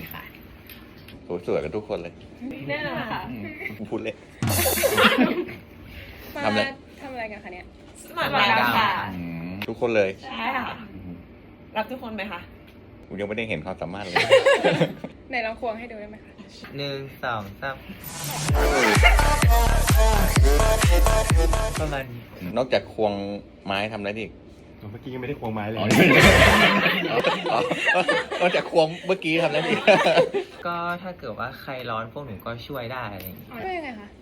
ค่ะสวยกันทุกคนเลยแน่นอนค่ะพูดเลยมาทำอะไรทำอะไรกันคะเนี่ยสมัครแล้วค่ะทุกคนเลยใช่ค่ะ รับทุกคนไหมคะผมยังไม่ได้เห็นความสามารถเลยไหนลองควงให้ดูได้ไหมคะ 1 2 3ประมาณนี้นอกจากควงไม้ทำอะไรอีกเมื่อกี้ยังไม่ได้ควงไม้เลยนอกจากควงเมื่อกี้ทำอะไรอีกก็ถ้าเกิดว่าใครร้อนพวกหนูก็ช่วยได้อะไรอย่างงี้ช่วยยังไงคะ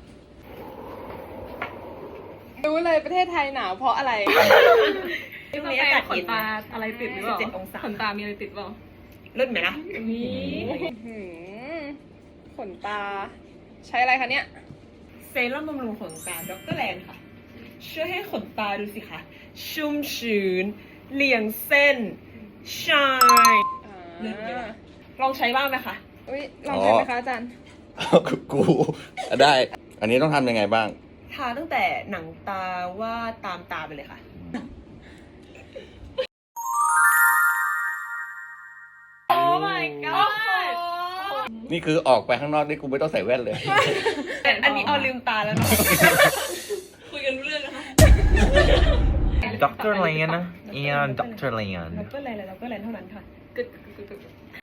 รู้เลยประเทศไทยหนาวเพราะอะไรช่วงนี้อากาศขเย็นนตาอะไรติดหรือเปล่า 17 องศาขนตามีอะไรติดเปล่าเลิศไหมล่ะนี่หืมขนตา ใช้อะไรคะเนี่ยเซรั่มบำรุงขนตาดรแลนค่ะ ช่วยให้ขนตาดูสิคะ ชุ่มชื้นเรียงเส้น ชาย เลิศไหมล่ะ ลองใช้บ้างไหมคะอุ้ยลองใช้ไหมคะอาจารย์กูได้ อันนี้ต้องทำยังไงบ้างทาตั้งแต่หนังตาว่าตามตาไปเลยค่ะโอ้ my god นี่คือออกไปข้างนอกนี่กูไม่ต้องใส่แว่นเลยอันนี้เอาลืมตาแล้วนะ คุยกันรู้เรื่องนะคะด็อกเตอร์เลนนะเอียนด็อกเตอร์เลนดรแลนและดรแลนเท่านั้นค่ะกึก